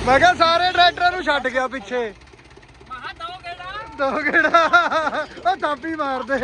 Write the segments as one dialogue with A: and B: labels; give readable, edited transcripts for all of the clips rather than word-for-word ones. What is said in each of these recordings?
A: ਮੈਂ ਕਿਹਾ ਸਾਰੇ ਟਰੈਕਟਰਾਂ ਨੂੰ ਛੱਡ ਗਿਆ ਪਿੱਛੇ। ਦੋ ਗੇੜਾ ਉਹ ਥਾਪੀ ਮਾਰਦੇ।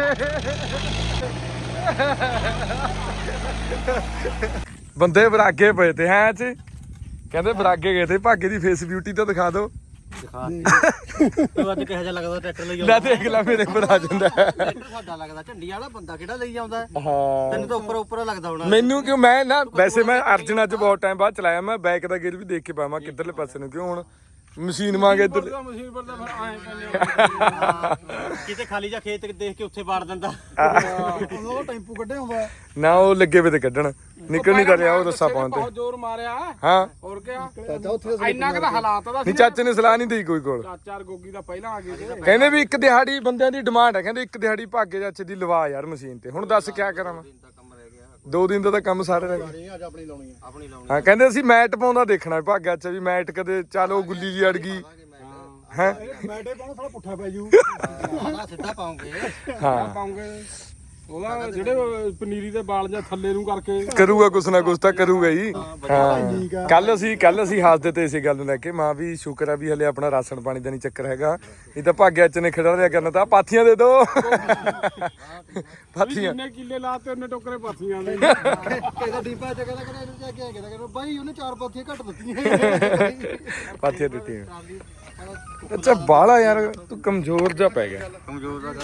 A: ਬੰਦੇ ਬਰਾਗੇ ਪਏ ਤੇ ਹੈ ਚ ਕਹਿੰਦੇ ਬਰਾਗੇ ਗਏ ਤੇ ਭਾਗੇ ਦੀ ਫੇਸ ਬਿਊਟੀ ਤਾਂ ਦਿਖਾ ਦਿਓ।
B: ਤੂੰ ਅੱਜ ਕਿਹੋ ਜਿਹਾ ਲੱਗਦਾ ਟਰੈਕਟਰ ਲਈ
A: ਲੈ ਦੇਖ ਲੈ ਮੇਰੇ ਪਰ ਆ ਜਾਂਦਾ
B: ਟਰੈਕਟਰ ਸਾਡਾ ਲੱਗਦਾ ਝੰਡੀ ਵਾਲਾ ਬੰਦਾ ਕਿਹੜਾ ਲਈ ਆਉਂਦਾ।
A: ਹਾਂ
B: ਤੈਨੂੰ ਤਾਂ ਉੱਪਰ ਲੱਗਦਾ ਹੋਣਾ।
A: ਮੈਨੂੰ ਕਿਉਂ ਮੈਂ ਨਾ ਵੈਸੇ ਮੈਂ ਅਰਜਨ ਅੱਜ ਬਹੁਤ ਟਾਈਮ ਬਾਅਦ ਚਲਾਇਆ। ਮੈਂ ਬੈਕ ਦਾ ਗੇਅਰ ਵੀ ਦੇਖ ਕੇ ਪਾਵਾਂ ਕਿੱਧਰਲੇ ਪਾਸੇ ਨੂੰ, ਕਿਉਂ ਹੁਣ ਮਸ਼ੀਨ ਮੰਗੇ ਇੱਧਰ
C: ਮਸ਼ੀਨ ਪਰ ਤਾਂ ਫਿਰ
B: ਕਿਤੇ ਖਾਲੀ ਜਾਂ ਖੇਤ ਦੇਖ ਕੇ ਉੱਥੇ ਵਾੜ ਦਿੰਦਾ।
C: ਉਹ ਟੈਂਪੂ ਕੱਢੇ ਹੁੰਦਾ
A: ਨਾ ਉਹ ਲੱਗੇ ਵੇ ਤੇ ਕੱਢਣ ਨਿਕਲ ਨਹੀਂ ਰਿਹਾ ਉਹ ਰੱਸਾ ਪਾਉਣ ਤੇ।
C: ਬਹੁਤ ਜ਼ੋਰ ਮਾਰਿਆ
A: ਹਾਂ
C: ਹੋਰ ਕਿਆ ਇੰਨਾ ਕੁ ਤਾਂ ਹਾਲਾਤ ਦਾ
A: ਨਹੀਂ ਚਾਚੇ ਨੇ ਸਲਾਹ ਨਹੀਂ ਦੇਈ ਕੋਈ ਕੋਲ।
C: ਚਾਚਾ ਗੋਗੀ ਦਾ ਪਹਿਲਾਂ ਆ ਗਏ ਤੇ
A: ਕਹਿੰਦੇ ਵੀ ਇੱਕ ਦਿਹਾੜੀ ਬੰਦਿਆਂ ਦੀ ਡਿਮਾਂਡ ਹੈ, ਕਹਿੰਦੇ ਇੱਕ ਦਿਹਾੜੀ ਭਾਗੇ ਚਾਚੇ ਦੀ ਲਵਾ ਯਾਰ ਮਸ਼ੀਨ ਤੇ। ਹੁਣ ਦੱਸ ਕਿਆ ਕਰਾਂ ਮੈਂ, 2 ਦਿਨ ਦਾ ਤਾਂ ਕੰਮ ਸਾਰੇ ਰਹਿ ਗਏ।
B: ਅੱਜ ਆਪਣੀ ਲਾਉਣੀ ਆ ਆਪਣੀ ਲਾਉਣੀ।
A: ਹਾਂ ਕਹਿੰਦੇ ਅਸੀਂ ਮੈਟ ਪਾਉਂਦਾ ਦੇਖਣਾ ਭਾਗਾ ਚ ਵੀ ਮੈਟ ਕਦੇ ਚਲੋ ਗੁੱਲੀ ਜੀ ਅੜ ਗਈ ਹੈ।
C: ਮੈਟੇ ਪਾਉਣਾ ਥੋੜਾ ਪੁੱਠਾ ਪੈ ਜੂ
B: ਸਿੱਧਾ ਪਾਉਂਗੇ।
A: ਹਾਂ
C: ਪਾਉਂਗੇ ਉਹਦਾ ਜਿਹੜੇ ਪਨੀਰੀ ਦੇ ਬਾਲ ਜਾਂ ਥੱਲੇ ਨੂੰ ਕਰਕੇ
A: ਕਰੂਗਾ ਕੁਛ ਨਾ ਕੁਛ ਤਾਂ ਕਰੂਗਾ ਹੀ। ਹਾਂ ਕੱਲ ਅਸੀਂ ਹੱਸਦੇ ਤੇ ਇਸੇ ਗੱਲ ਨੂੰ ਲੈ ਕੇ ਮਾਂ ਵੀ ਸ਼ੁਕਰ ਆ ਵੀ ਹਲੇ ਆਪਣਾ ਰਾਸ਼ਨ ਪਾਣੀ ਦਾ ਨਹੀਂ ਚੱਕਰ ਹੈਗਾ, ਨਹੀਂ ਤਾਂ ਭਾਗਿਆ ਚ ਨੇ ਖੜਾ ਰਿਆ ਕਰਨਾ ਤਾਂ ਪਾਥੀਆਂ ਦੇ ਦੋ। ਪਾਥੀਆਂ
C: ਜਿੰਨੇ ਕਿੱਲੇ ਲਾਤੇ ਉਹਨੇ ਟੋਕਰੇ ਪਾਥੀਆਂ ਦੇ।
B: ਕਿਹਦਾ ਡੀਪਾ ਚ ਕਹਿੰਦਾ ਇਹਨੂੰ ਜਾ ਕੇ ਕਹਿੰਦਾ ਬਾਈ ਉਹਨੇ 4 ਪਾਥੀਆਂ ਘੱਟ ਦਿੱਤੀਆਂ।
A: ਪਾਥੀਆਂ ਦਿੱਤੀਆਂ। ਅੱਛਾ ਬਾਲਾ ਯਾਰ ਤੂੰ ਕਮਜ਼ੋਰ ਜਾ ਪੈ ਗਿਆ।
B: ਕਮਜ਼ੋਰ ਦਾ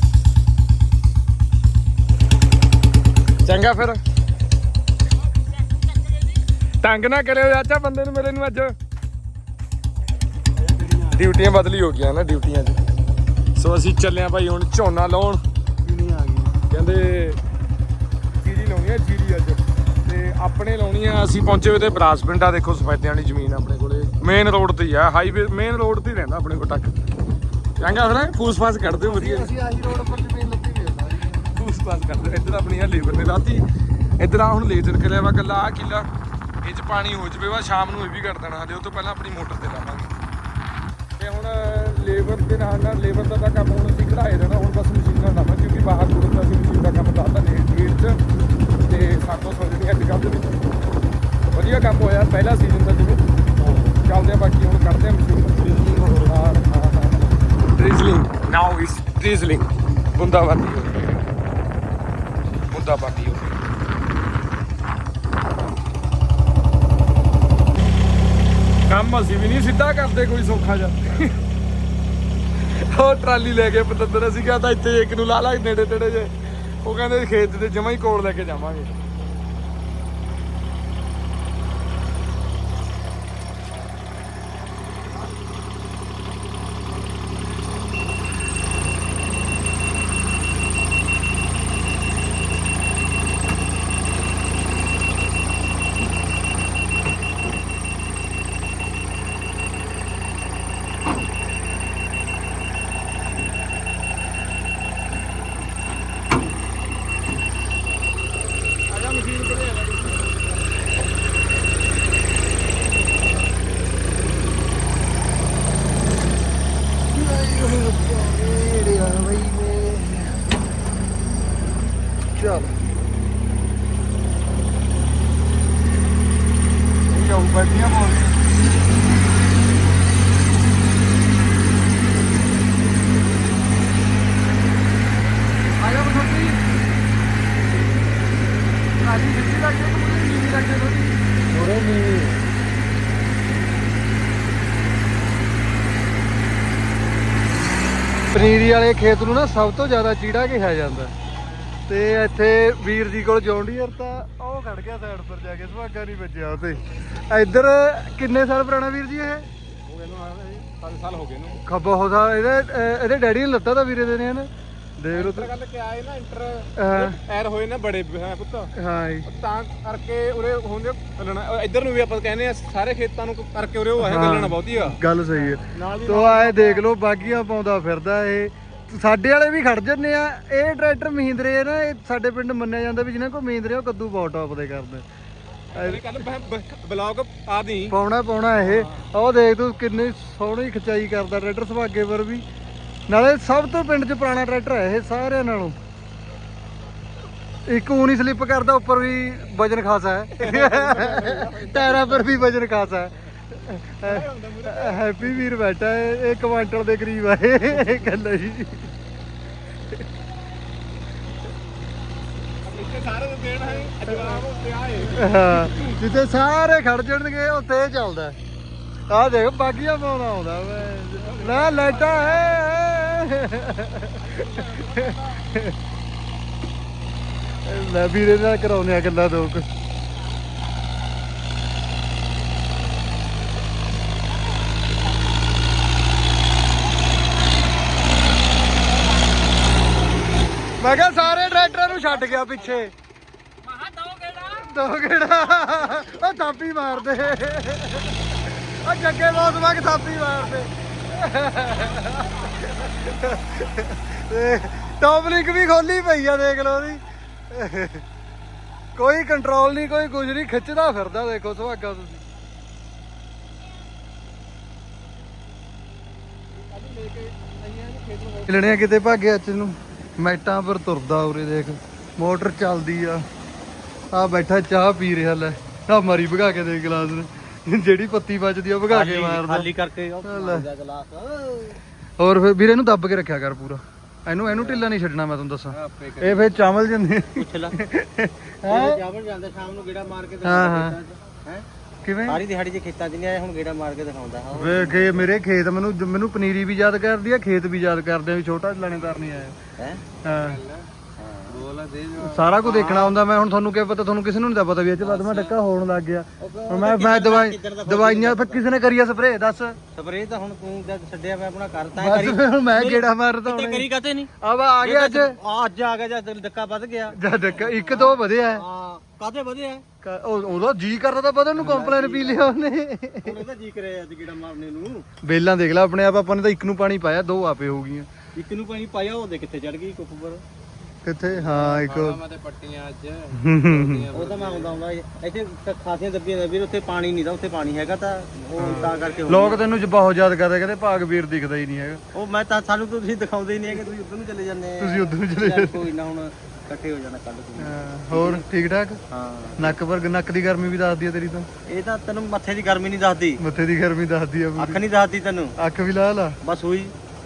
A: ਚੰਗਾ ਫਿਰ ਤੰਗ ਨਾ ਕਰਿਓ ਚਾਚਾ ਬੰਦੇ ਨੂੰ ਮੇਰੇ ਨੂੰ। ਅੱਜ ਡਿਊਟੀਆਂ ਬਦਲੀ ਹੋ ਗਈਆਂ ਨਾ ਡਿਊਟੀਆਂ 'ਚ। ਸੋ ਅਸੀਂ ਚੱਲੇ ਆ ਭਾਈ ਹੁਣ ਝੋਨਾ ਲਾਉਣ।
B: ਨਹੀਂ ਆ ਗਈ
A: ਕਹਿੰਦੇ ਜੀਰੀ ਲਾਉਣੀ ਆ ਜੀਰੀ ਅੱਜ, ਤੇ ਆਪਣੇ ਲਾਉਣੀ ਆ। ਅਸੀਂ ਪਹੁੰਚੇ ਹੋਏ ਤੇ ਬਰਾਸ ਪਿੰਡ ਆ, ਦੇਖੋ ਸਫੈਦਿਆਂ ਵਾਲੀ ਜ਼ਮੀਨ ਆਪਣੇ ਕੋਲੇ ਮੇਨ ਰੋਡ ਤੇ ਹੀ ਆ, ਹਾਈਵੇ ਮੇਨ ਰੋਡ ਤੇ ਹੀ ਰਹਿੰਦਾ ਆਪਣੇ ਕੋਲ ਤੱਕ। ਚੰਗਾ ਫਿਰ ਫੂਸ ਫਾਸ ਕੱਢ ਦਿਓ ਵਧੀਆ।
B: ਅਸੀਂ ਆਹੀ ਰੋਡ ਉੱਪਰ ਜ਼ਮੀਨ ਲੱਗੀ ਹੋਈ ਹੈ।
A: ਫੂਸ ਫਾਸ ਕਰਦੇ ਇੱਧਰ ਆਪਣੀ ਆ ਲੇਬਰ ਨੇ ਲਾਤੀ। ਇੱਧਰ ਆ ਹੁਣ ਲੇਜ਼ਰ ਕਰਿਆ ਵਾ ਗੱਲਾਂ ਆ ਕਿੱਲਾ ਇਹ 'ਚ ਪਾਣੀ ਹੋ ਜਵੇ ਵਾ, ਸ਼ਾਮ ਨੂੰ ਇਹ ਵੀ ਕਰ ਦੇਣਾ। ਹਲੇ ਉਹ ਤੋਂ ਪਹਿਲਾਂ ਆਪਣੀ ਮੋਟਰ ਤੇ ਲਾਵਾਂਗੇ। ਤੇ ਹੁਣ ਲੇਬਰ ਦੇ ਨਾਲ ਲੇਬਰ ਦਾ ਤਾਂ ਕੰਮ ਹੁਣ ਅਸੀਂ ਕਢਾਏ ਦੇਣਾ। ਹੁਣ ਬਸ ਮਸ਼ੀਨਾਂ ਲਾਵਾਂ ਕਿਉਂਕਿ ਬਾਹਰ ਦੂਰ ਦਾ ਅਸੀਂ ਮਸ਼ੀਨ ਦਾ ਕੰਮ ਲਾਤਾ ਲੇਟ 'ਚ, ਤੇ ਸਾਤੋਂ ਸੋਚਦੇ ਅੱਜ ਕੱਲ੍ਹ ਦੇ ਵਿੱਚ ਵਧੀਆ ਕੰਮ ਹੋਇਆ ਪਹਿਲਾ ਸੀਜ਼ਨ ਦਾ ਜਿਵੇਂ ਚੱਲਦੇ ਆ। ਬਾਕੀ ਹੁਣ ਕੱਢਦੇ ਆ ਮਸ਼ੀਨ। ਡ੍ਰਿਜ਼ਲਿੰਗ ਨਾਓ ਇਸ ਡ੍ਰਿਜ਼ਲਿੰਗ ਬੂੰਦਾਬਾਂਦੀ ਹੋ ਰਹੀ ਹੈ, ਬੂੰਦਾਬਾਂਦੀ ਹੋ ਰਹੀ ਹੈ। ਕੰਮ ਅਸੀਂ ਵੀ ਨਹੀਂ ਸਿੱਧਾ ਕਰਦੇ ਕੋਈ ਸੌਖਾ ਜਿਹਾ। ਉਹ ਟਰਾਲੀ ਲੈ ਕੇ ਪਤੰਦਰ ਅਸੀਂ ਕਿਹਾ ਤਾਂ ਇੱਥੇ ਇੱਕ ਨੂੰ ਲਾ ਲਾ ਨੇੜੇ ਤੇੜੇ ਜੇ, ਉਹ ਕਹਿੰਦੇ ਖੇਤ ਦੇ ਜਮਾਂ ਹੀ ਕੋਲ ਲੈ ਕੇ ਜਾਵਾਂਗੇ। ਚੱਲ ਇਹ ਜਾਊ ਬੈਠੀਆਂ ਬੋਲ ਆਇਆ ਬਸੰਤੀ ਆਜੀ ਸਿੱਧੀ ਲੱਗ ਗਈ ਤੇ ਨੀਵੀਂ ਲੱਗ ਗਈ ਥੋੜੀ ਨੀਵੀਂ। ਪਨੀਰੀ ਵਾਲੇ ਖੇਤ ਨੂੰ ਨਾ ਸਭ ਤੋਂ ਜ਼ਿਆਦਾ ਚੀੜਾ ਕਿਹਾ ਜਾਂਦਾ, ਤੇ ਇੱਥੇ ਵੀਰ ਜੀ ਕੋਲ ਜੌਨ ਡੀਅਰ ਤਾਂ ਉਹ ਖੜ ਗਿਆ ਸਾਈਡ ਪਰ ਜਾ ਕੇ, ਸੁਹਾਗਾ ਨਹੀਂ ਵੱਜਿਆ ਉਹ ਤੇ। ਇੱਧਰ ਕਿੰਨੇ ਸਾਲ ਪੁਰਾਣਾ ਵੀਰ ਜੀ ਇਹ?
C: ਹੋ ਗਏ ਨੂੰ 7 ਸਾਲ ਹੋ ਗਏ ਨੂੰ।
A: ਖੱਬਾ ਹੋ ਸਾ ਇਹਦੇ ਡੈਡੀ ਨੇ ਲੱਤਾ ਤਾਂ ਵੀਰੇ ਦੇ ਨੇ ਹਨ। ਦੇਖ ਲਓ
C: ਗੱਲ ਕਿ ਆਏ ਨਾ ਇੰਟਰ ਐਰ ਹੋਏ ਨਾ ਬੜੇ ਪੁੱਤ,
A: ਹਾਂ ਜੀ,
C: ਤਾਂ ਕਰਕੇ ਉਰੇ ਹੁੰਦੇ ਗੱਲਣਾ। ਇੱਧਰ ਨੂੰ ਵੀ ਆਪਾਂ ਕਹਿੰਦੇ ਆ ਸਾਰੇ ਖੇਤਾਂ ਨੂੰ ਕਰਕੇ ਉਰੇ ਉਹ ਆਇਆ ਗੱਲਣਾ ਬਹੁਤੀ ਆ।
A: ਗੱਲ ਸਹੀ ਹੈ। ਤੋ ਆਏ ਦੇਖ ਲਓ ਬਾਗੀਆਂ ਪਾਉਂਦਾ ਫਿਰਦਾ ਇਹ। ਸਾਡੇ ਵਾਲੇ ਵੀ ਖੜ ਜੰਨੇ ਆ। ਇਹ ਟਰੈਕਟਰ ਮਹਿੰਦਰੇ ਨਾ, ਇਹ ਸਾਡੇ ਪਿੰਡ ਮੰਨਿਆ ਜਾਂਦਾ ਵੀ ਜਿਹਨਾਂ ਕੋਲ ਮਹਿੰਦਰੇ ਉਹ ਕੱਦੂ ਬਹੁਤ ਟੌਪ ਦੇ ਕਰਦੇ।
C: ਬਲੌਗ ਆ ਦੀ
A: ਪਾਉਣਾ ਇਹ। ਉਹ ਦੇਖ ਤੂੰ ਕਿੰਨੀ ਸੋਹਣੀ ਖਿਚਾਈ ਕਰਦਾ ਟਰੈਕਟਰ ਸੁਹਾਗੇ ਪਰ ਵੀ। ਨਾਲੇ ਸਭ ਤੋਂ ਪਿੰਡ 'ਚ ਪੁਰਾਣਾ ਟਰੈਕਟਰ ਹੈ ਇਹ ਸਾਰਿਆਂ ਨਾਲੋਂ। ਇੱਕ ਊਂ ਨਹੀਂ ਸਲਿੱਪ ਕਰਦਾ, ਉੱਪਰ ਵੀ ਵਜਨ ਖਾਸਾ ਹੈ, ਟਾਇਰਾਂ ਪਰ ਵੀ ਵਜਨ ਖਾਸਾ ਹੈ।
B: ਹੈਪੀ ਵੀਰ ਬੈਠਾ ਇਹ ਕੁਆਂਟਲ ਦੇ ਕਰੀਬ ਆ ਇਹ ਗੱਲ ਜੀ।
C: ਇੱਥੇ ਸਾਰੇ ਨੂੰ ਦੇਣ ਹੈ ਜਵਾਬ ਉੱਤੇ ਆਏ।
B: ਹਾਂ ਜਿੱਥੇ ਸਾਰੇ ਖੜ ਜਾਣਗੇ ਉੱਥੇ ਇਹ ਚੱਲਦਾ। ਆਹ ਦੇਖ ਬਾਗੀਆਂ ਪਾਉਣਾ ਆਉਂਦਾ ਲੈ ਲੈਟਾ ਲੈ ਵੀਰੇ ਨਾਲ ਕਰਾਉਨੇ ਆ ਗੱਲਾਂ ਦੋ ਕੁ। ਮੈਂ ਕਿਹਾ ਸਾਰੇ ਟਰੈਕਟਰਾਂ ਨੂੰ ਛੱਡ ਗਿਆ ਪਿੱਛੇ।
D: ਮਹਾ
B: ਦੋ ਗੇੜਾ ਉਹ ਥਾਪੀ ਮਾਰਦੇ ਉਹ ਜੱਗੇ ਬਹੁਤ ਵਗ ਥਾਪੀ ਮਾਰਦੇ। ਟੌਪ ਲਿੰਕ ਵੀ ਖੋਲੀ ਪਈ ਆ ਦੇਖ ਲਓ ਉਹਦੀ। ਕੋਈ ਕੰਟਰੋਲ ਨਹੀਂ ਕੋਈ ਕੁਝ ਨਹੀਂ ਖਿੱਚਦਾ ਫਿਰਦਾ ਦੇਖੋ ਸੁਹਾਗਾ ਤੁਸੀਂ। ਲੈਣੇ ਕਿਤੇ ਭਾਗੇ ਅੱਜ ਨੂੰ ਮੈਟਾਂ ਪਰ ਤੁਰਦਾ ਉਰੇ ਦੇਖ ਮੋਟਰ ਚੱਲਦੀ ਆ। ਆ ਬੈਠਾ ਚਾਹ ਪੀ ਰਿਹਾ ਲੈ ਆ ਮਾਰੀ ਭਗਾ ਕੇ ਦੇ ਗਲਾਸ ਨੇ ਜਿਹੜੀ ਪੱਤੀ ਬਚਦੀ ਆ ਭਗਾ ਕੇ ਮਾਰਦਾ
D: ਖਾਲੀ ਕਰਕੇ ਗਲਾਸ।
B: ਹੋਰ ਫਿਰ ਵੀਰੇ ਇਹਨੂੰ ਦੱਬ ਕੇ ਰੱਖਿਆ ਕਰ ਪੂਰਾ। ਇਹਨੂੰ ਢਿੱਲਾ ਨਹੀਂ ਛੱਡਣਾ ਮੈਂ ਤੁਹਾਨੂੰ ਦੱਸਾਂ। ਇਹ ਫਿਰ ਚਾਵਲ ਜਾਂਦੇ
D: ਪੁੱਛ ਲੈ ਚਾਵਲ ਜਾਂਦੇ ਸ਼ਾਮ ਨੂੰ ਗੇੜਾ ਮਾਰ ਕੇ
B: ਹਾਂ ਹਾਂ
D: ਹੈ
B: ਕਿਵੇਂ
D: ਸਾਰੀ ਦਿਹਾੜੀ ਚ ਖੇਤਾਂ 'ਚ ਨਹੀਂ ਆਇਆ ਹੁਣ ਗੇੜਾ ਮਾਰ ਕੇ ਦਿਖਾਉਂਦਾ।
B: ਵੇਖ ਕੇ ਮੇਰੇ ਖੇਤ ਮੈਨੂੰ ਪਨੀਰੀ ਵੀ ਯਾਦ ਕਰਦੀ ਆ ਖੇਤ ਵੀ ਯਾਦ ਕਰਦੇ ਆ ਵੀ ਛੋਟਾ ਲਾਣੇਦਾਰ ਨਹੀਂ ਆਇਆ
D: ਹੈ
B: ਹਾਂ
C: ਬੋਲਾ ਦੇ
B: ਸਾਰਾ ਕੁਝ ਦੇਖਣਾ ਹੁੰਦਾ। ਮੈਂ ਹੁਣ ਤੁਹਾਨੂੰ ਕੀ ਪਤਾ ਤੁਹਾਨੂੰ ਕਿਸੇ ਨੂੰ ਨਹੀਂ ਪਤਾ ਵੀ ਇਹ ਚ ਵੱਧ ਮੈਂ ਡੱਕਾ ਹੋਣ ਲੱਗ ਗਿਆ। ਹੁਣ ਮੈਂ ਦਵਾਈਆਂ ਫਿਰ ਕਿਸੇ ਨੇ ਕਰੀ ਆ ਸਪਰੇਅ ਦੱਸ।
D: ਸਪਰੇਅ ਤਾਂ ਹੁਣ ਤੂੰ ਜਦ ਛੱਡਿਆ ਮੈਂ ਆਪਣਾ ਕਰਤਾ
B: ਬਸ
D: ਕਰੀ
B: ਫਿਰ ਹੁਣ ਮੈਂ ਗੇੜਾ ਮਾਰਦਾ
D: ਤੇ
B: ਹੁਣ
D: ਕਰੀ ਕਾਤੇ ਨਹੀਂ
B: ਆ ਗਿਆ ਅੱਜ
D: ਅੱਜ ਆ ਗਿਆ ਜਦ ਡੱਕਾ ਵੱਧ ਗਿਆ।
B: ਜਦ ਡੱਕਾ ਇੱਕ ਦੋ ਵਧਿਆ
D: ਹਾਂ ਕਾਤੇ ਵਧਿਆ
B: ਉਹਦਾ ਜੀ ਕਰਦਾ ਤਾਂ ਵਧਣ ਨੂੰ ਕੰਪਲੇਨ ਪੀ ਲਿਆ ਉਹਨੇ।
D: ਹੁਣ ਇਹਦਾ ਜੀ ਕਰਿਆ ਅੱਜ ਗੇੜਾ ਮਾਰਨੇ ਨੂੰ।
B: ਬੇਲਾਂ ਦੇਖ ਲੈ ਆਪਣੇ ਆਪ ਆਪਾਂ ਨੇ ਤਾਂ ਇੱਕ ਨੂੰ ਪਾਣੀ ਪਾਇਆ ਦੋ ਆਪੇ ਹੋ ਗਈਆਂ।
D: ਇੱਕ ਨੂੰ ਪਾਣੀ ਪਾਇਆ ਉਹਦੇ ਕਿੱਥੇ ਚੜ ਗਈ ਕੁੱਪ ਪਰ।
B: ਕਿੱਥੇ ਹਾਂ ਇੱਕ
C: ਮੈਂ ਤੇ ਪੱਟੀਆਂ ਅੱਜ
D: ਉਹ ਤਾਂ ਮੈਂ ਆਉਂਦਾ ਇੱਥੇ ਖਾਸੀਆਂ ਦੱਬੀਆਂ ਨੇ ਵੀਰ ਉੱਥੇ ਪਾਣੀ ਨਹੀਂ ਦਾ ਉੱਥੇ ਪਾਣੀ ਹੈਗਾ ਤਾਂ ਉਹ ਤਾਂ ਕਰਕੇ ਹੋ
B: ਲੋਕ ਤੈਨੂੰ ਬਹੁਤ ਯਾਦ ਕਰਦੇ ਕਹਿੰਦੇ ਭਾਗ ਵੀਰ ਦਿਖਦਾ ਹੀ ਨਹੀਂ ਹੈਗਾ।
D: ਉਹ ਮੈਂ ਤਾਂ ਸਾਨੂੰ ਤਾਂ ਤੁਸੀਂ ਦਿਖਾਉਂਦੇ ਹੀ ਨਹੀਂ ਹੈਗੇ ਤੁਸੀਂ ਉੱਧਰ ਨੂੰ ਚਲੇ ਜਾਂਦੇ ਆ।
B: ਤੁਸੀਂ ਉੱਧਰ ਨੂੰ ਚਲੇ
D: ਚੱਲ ਕੋਈ ਨਾ ਹੁਣ ਇਕੱਠੇ ਹੋ ਜਾਣਾ ਕੱਲ ਕੋਈ।
B: ਹੋਰ ਠੀਕ ਠਾਕ
D: ਹਾਂ
B: ਨੱਕ ਦੀ ਗਰਮੀ ਵੀ ਦੱਸਦੀ ਆ ਤੇਰੀ ਤਾਂ।
D: ਇਹ ਤਾਂ ਤੈਨੂੰ ਮੱਥੇ ਦੀ ਗਰਮੀ ਨਹੀਂ ਦੱਸਦੀ
B: ਮੱਥੇ ਦੀ ਗਰਮੀ ਦੱਸਦੀ ਆ
D: ਅੱਖ ਨਹੀਂ ਦੱਸਦੀ ਤੈਨੂੰ
B: ਅੱਖ ਵੀ ਲਾ ਲਾ
D: ਬਸ ਹੋਈ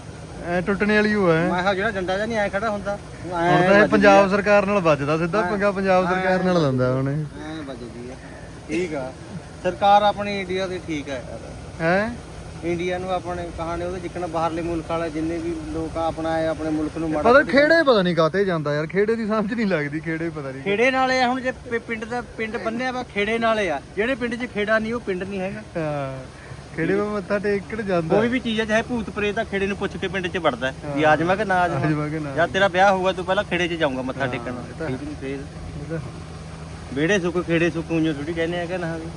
B: ਐ ਟੁੱਟਣੇ ਵਾਲੀ ਹੋ ਐ।
D: ਮੈਂ ਕਿਹਾ ਜਿਹੜਾ ਡੰਡਾ ਜਾਂ ਨਹੀਂ ਐ ਖੜਾ ਹੁੰਦਾ
B: ਹੁਣ ਤਾਂ ਇਹ ਪੰਜਾਬ ਸਰਕਾਰ ਨਾਲ ਵੱਜਦਾ ਸਿੱਧਾ ਪੰਗਾ ਪੰਜਾਬ ਸਰਕਾਰ ਨਾਲ ਲੰਦਾ ਹੁਣ
D: ਐ ਵੱਜਦੀ ਆ। ਠੀਕ ਆ ਸਰਕਾਰ ਆਪਣੀ ਇੰਡੀਆ ਦੀ ਠੀਕ ਹੈ ਯਾਰ।
B: ਹੈ
D: ਇੰਡੀਆ ਨੂੰ ਆਪਣੇ ਕਹਾਣੀ ਉਹਦੇ ਜਿੱਕਣ ਬਾਹਰਲੇ ਮੁਲਕ ਵਾਲੇ ਜਿੰਨੇ ਵੀ ਲੋਕ ਆ ਆਪਣਾ ਆਪਣੇ ਮੁਲਕ ਨੂੰ ਮਾੜਾ
B: ਪਤਾ ਖੇੜੇ ਪਤਾ ਨਹੀਂ ਕਾਤੇ ਜਾਂਦਾ ਯਾਰ ਖੇੜੇ ਦੀ ਸਮਝ ਨਹੀਂ ਲੱਗਦੀ ਖੇੜੇ ਪਤਾ ਨਹੀਂ
D: ਖੇੜੇ ਨਾਲੇ ਆ ਹੁਣ ਜੇ ਪਿੰਡ ਬੰਨਿਆ ਵਾ ਖੇੜੇ ਨਾਲੇ ਆ ਜਿਹੜੇ ਪਿੰਡ 'ਚ ਖੇੜਾ ਨਹੀਂ ਉਹ ਪਿੰਡ ਨਹੀਂ ਹੈਗਾ।
B: ਹਾਂ ਖੇੜੇ ਵਾ ਮੱਥਾ ਟੇਕਣ ਜਾਂਦਾ
D: ਕੋਈ ਵੀ ਚੀਜ਼ ਹੈ ਚਾਹੇ ਭੂਤ ਪ੍ਰੇਤ ਆ ਖੇੜੇ ਨੂੰ ਪੁੱਛ ਕੇ ਪਿੰਡ 'ਚ ਵੜਦਾ ਵੀ ਆ ਜਾਵਾਂ ਕਿ ਨਾ ਆ ਜਾਵਾਂ।
B: ਜਮਾ ਕੇ ਨਾ
D: ਜਦ ਤੇਰਾ ਵਿਆਹ ਹੋਊਗਾ ਤੂੰ ਪਹਿਲਾਂ ਖੇੜੇ 'ਚ ਜਾਊਂਗਾ ਮੱਥਾ ਟੇਕਣ ਠੀਕ ਨਹੀਂ ਫੇਰ ਵਿਹੜੇ ਸੁੱਕ ਖੇੜੇ ਸੁੱਕ ਉਂਝ ਥੋੜੀ ਕਹਿੰਦੇ ਆ ਕਿ ਨਾ ਵੀ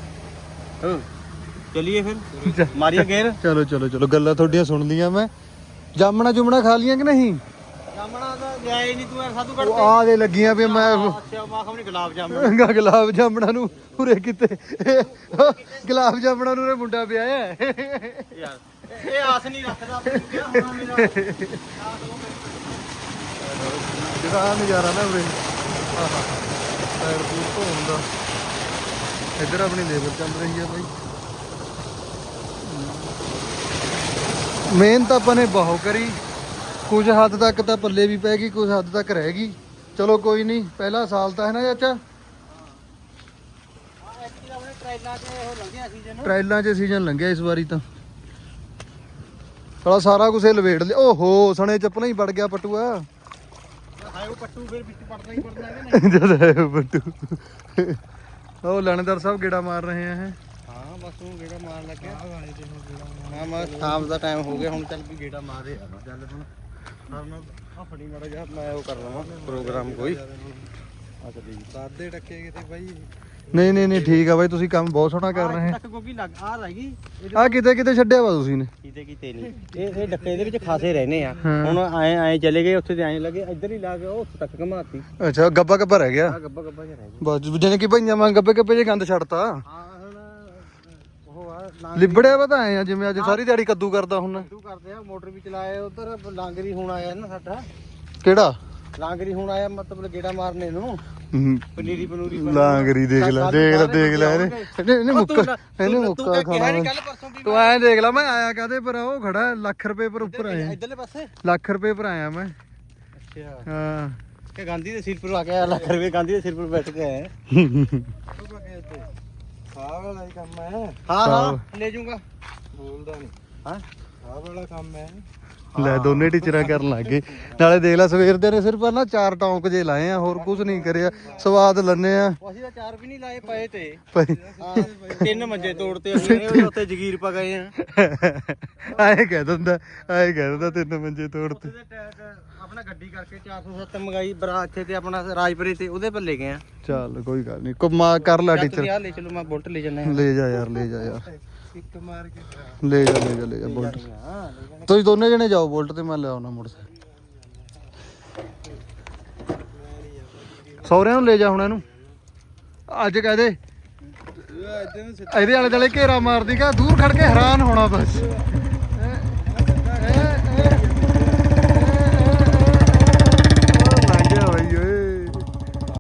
D: ਹੋ ਚਲਿਏ ਫਿਰ ਮਾਰੀਏ ਗੇਰ।
B: ਚਲੋ ਗੱਲਾਂ ਤੁਹਾਡੀਆਂ ਸੁਣ ਲੀਆਂ ਮੈਂ। ਜਾਮਣਾ ਜੁਮਣਾ ਖਾ ਲੀਆਂ ਕਿ ਨਹੀਂ?
D: ਜਾਮਣਾ ਤਾਂ ਲਿਆਏ ਨਹੀਂ ਤੂੰ ਯਾਰ ਸਾਧੂ
B: ਉਹ ਆ ਦੇ ਲੱਗੀਆਂ ਵੀ ਮੈਂ
D: ਅੱਛਾ ਮਾਂ ਖਮਣੀ ਗੁਲਾਬ ਜਾਮਣ
B: ਗੁਲਾਬ ਜਾਮਣਾ ਨੂੰ ਉਰੇ ਕਿਤੇ ਗੁਲਾਬ ਜਾਮਣਾ ਨੂੰ ਉਰੇ ਮੁੰਡਾ ਪਿਆ ਹੈ
D: ਯਾਰ ਇਹ ਆਸ ਨਹੀਂ ਰੱਖਦਾ ਕਿਹਾ ਹੋਣਾ ਮੇਰਾ
B: ਜਿਹੜਾ ਨਜ਼ਾਰਾ ਨਾ ਉਰੇ ਆਹਾ ਪੈਰ ਪੂਰ ਧੋਣ ਦਾ। ਇੱਧਰ ਆਪਣੀ ਲੇਬਰ ਚੱਲ ਰਹੀ ਹੈ ਬਾਈ। ਮਿਹਨਤ ਆਪਾਂ ਨੇ ਬਹੁਤ ਕਰੀ ਕੁਝ ਹੱਦ ਤੱਕ ਤਾਂ ਪੱਲੇ ਵੀ ਪੈ ਗਈ ਕੁਝ ਹੱਦ ਤੱਕ ਰਹਿ ਗਈ। ਚਲੋ ਕੋਈ ਨਹੀਂ ਪਹਿਲਾ ਸਾਲ ਤਾਂ ਹੈ ਨਾ ਚਾਚਾ। ਟ੍ਰਾਇਲਾਂ 'ਚ ਸੀਜ਼ਨ ਲੰਘਿਆ ਇਸ ਵਾਰੀ ਤਾਂ ਸਾਲਾ ਸਾਰਾ ਕੁਝ ਲਵੇੜ ਲਿਆ। ਓਹੋ ਸਣੇ ਚੱਪਲਾਂ ਹੀ ਵੜ ਗਿਆ ਪਟੂਆ।
D: ਹਾਏ ਉਹ ਪੱਟੂ ਫਿਰ ਵਿੱਚ ਪੜਦਾ ਹੀ ਪੜਦਾ ਹੈ ਕਿ
B: ਜਦ ਹੈ ਪਟੂ ਉਹ ਲਾਣੇਦਾਰ ਸਾਹਿਬ ਗੇੜਾ ਮਾਰ ਰਹੇ ਆ।
D: ਹਾਂ ਬਸ ਉਹ ਗੇੜਾ ਮਾਰ ਲੱਗਿਆ ਹਾਂ ਮੈਂ ਸ਼ਾਮ ਦਾ ਟਾਈਮ ਹੋ ਗਿਆ ਹੁਣ ਚੱਲ ਵੀ ਗੇੜਾ ਮਾਰ ਰਿਹਾ ਚੱਲ ਹੁਣ ਆ ਫੜੀ ਮਾੜਾ ਜਿਹਾ ਮੈਂ ਉਹ ਕਰ ਲਵਾਂ ਪ੍ਰੋਗਰਾਮ ਕੋਈ ਆ ਚੱਲੀ
B: ਸਾਦੇ ਟੱਕੇ ਕਿਤੇ ਬਾਈ। ਨਹੀਂ ਠੀਕ ਆ ਬਾਈ ਤੁਸੀਂ ਕੰਮ ਬਹੁਤ ਸੋਹਣਾ ਕਰ ਰਹੇ
D: ਤੱਕ ਕਿਉਂਕਿ ਲੱਗ ਆ ਰਹਿ ਗਈ
B: ਆ ਕਿਤੇ ਛੱਡਿਆ ਵਾ ਤੁਸੀਂ ਨੇ।
D: ਕਿਤੇ ਨਹੀਂ ਇਹ ਡੱਕੇ ਦੇ ਵਿੱਚ ਖਾਸੇ ਰਹਿਨੇ ਆ ਹੁਣ ਐ ਚਲੇ ਗਏ ਉੱਥੇ ਤੇ ਐ ਲੱਗੇ ਇੱਧਰ ਹੀ ਲਾ ਕੇ ਉਹ ਉੱਥੇ ਤੱਕ ਘਮਾਤੀ।
B: ਅੱਛਾ ਗੱਬਾ ਰਹਿ ਗਿਆ
D: ਆ ਗੱਬਾ ਜਿਹਾ ਰਹਿ ਗਿਆ
B: ਬਸ ਜਾਨੇ ਕਿ ਭਈਆਂ ਵਾਂ ਗੱਬੇ ਜੇ ਗੰਦ ਛੱਡਤਾ।
D: ਹਾਂ ਹੁਣ ਉਹ ਆ
B: ਲਿਬੜਿਆ ਵਾ ਤਾਂ ਆਏ ਆ ਜਿਵੇਂ ਅੱਜ ਸਾਰੀ ਦਿਹਾੜੀ ਕੱਦੂ ਕਰਦਾ ਹੁਣ।
D: ਕੱਦੂ ਕਰਦੇ ਆ ਮੋਟਰ ਵੀ ਚਲਾਏ ਉਧਰ ਲਾਂਗਰੀ ਹੁਣ ਆਇਆ ਨਾ ਸਾਡਾ।
B: ਕਿਹੜਾ
D: ਲਾਂਗਰੀ ਹੁਣ ਆਇਆ ਮਤਲਬ ਗੇੜਾ ਮਾਰਨੇ ਨੂੰ ਪਨੀਰੀ ਪਨੂਰੀ
B: ਲਾਂਗਰੀ ਦੇਖ ਲੈ ਇਹਨੇ ਮੁੱਕਾ ਖਾਣਾ
D: ਕੱਲ ਪਰਸੋਂ ਵੀ
B: ਤੂੰ ਐਂ ਦੇਖ ਲੈ ਮੈਂ ਆਇਆ ਕਾਦੇ ਪਰ ਉਹ ਖੜਾ ਲੱਖ ਰੁਪਏ ਪਰ ਉੱਪਰ ਆਇਆ
D: ਇਧਰਲੇ ਪਾਸੇ
B: ਲੱਖ ਰੁਪਏ ਪਰ ਆਇਆ ਮੈਂ
D: ਅੱਛਾ
B: ਹਾਂ
D: ਕਿ ਗਾਂਧੀ ਦੇ ਸਿਰ ਪਰ ਆ ਕੇ ਲੱਖ ਰੁਪਏ ਗਾਂਧੀ ਦੇ ਸਿਰ ਪਰ ਬੈਠ ਕੇ ਆਏ
C: ਆਹ ਵਾਲਾ ਹੀ ਕੰਮ ਹੈ
D: ਹਾਂ ਲੈ ਜਾਊਂਗਾ
C: ਬੋਲਦਾ ਨਹੀਂ
D: ਹਾਂ
C: ਆਹ ਵਾਲਾ ਕੰਮ ਹੈ
B: ਲੈ ਦੋਨੇ ਟੀਚਰਾਂ ਕਰਨ ਲੱਗ ਗਏ ਨਾਲੇ ਦੇਖ ਲੈ ਸਵੇਰ ਦੇ ਨੇ ਸਿਰਫ ਨਾ 4 ਟੌਂਕ ਜੇ ਲਾਏ ਆ ਹੋਰ ਕੁਝ ਨਹੀਂ ਕਰਿਆ ਸਵਾਦ ਲੰਨੇ ਆ
D: ਅਸੀਂ ਤਾਂ 4 ਵੀ ਨਹੀਂ ਲਾਏ ਪਏ ਤੇ
B: ਭਾਈ
D: ਹਾਂ 3 ਮੰਜੇ ਤੋੜਤੇ ਅਸੀਂ ਉੱਥੇ ਜਗੀਰ ਪਾ ਗਏ ਆ
B: ਐਂ ਕਹਿ ਦਿੰਦਾ 3 ਮੰਜੇ ਤੋੜਤੇ
D: ਆਪਣਾ ਗੱਡੀ ਕਰਕੇ 407 ਮੰਗਾਈ ਬਰਾ ਇੱਥੇ ਤੇ ਆਪਣਾ ਰਾਜਪੁਰੇ ਤੇ ਉਹਦੇ ਪਰ ਲੈ ਗਏ ਆ
B: ਚੱਲ ਕੋਈ ਗੱਲ ਨਹੀਂ ਕੁਮਾ ਕਰ ਲੈ
D: ਤੁਸੀਂ
B: ਟੀਚਰ
D: ਆ ਲੈ ਚਲੋ ਮੈਂ ਬੁਲਟ ਲੈ ਜੰਨੇ
B: ਲੈ ਜਾ ਯਾਰ
C: ਇੱਕ ਮਾਰ ਕੇ
B: ਲੈ ਜਾ ਬੁਲਟ ਤੁਸੀਂ ਦੋਨੇ ਜਣੇ ਜਾਓ ਬੁਲਟ ਤੇ ਮੈਂ ਲੈ ਆਉਣਾ ਮੋਟਰਸਾਈਕਲ ਸਹੁਰਿਆਂ ਨੂੰ ਲੈ ਜਾ ਹੁਣ ਇਹਨੂੰ ਅੱਜ ਕਹਦੇ ਇਹਦੇ ਆਲੇ ਦੁਆਲੇ ਘੇਰਾ ਮਾਰਦੀ ਕਾ ਦੂਰ ਖੜ ਕੇ ਹੈਰਾਨ ਹੋਣਾ ਬਸ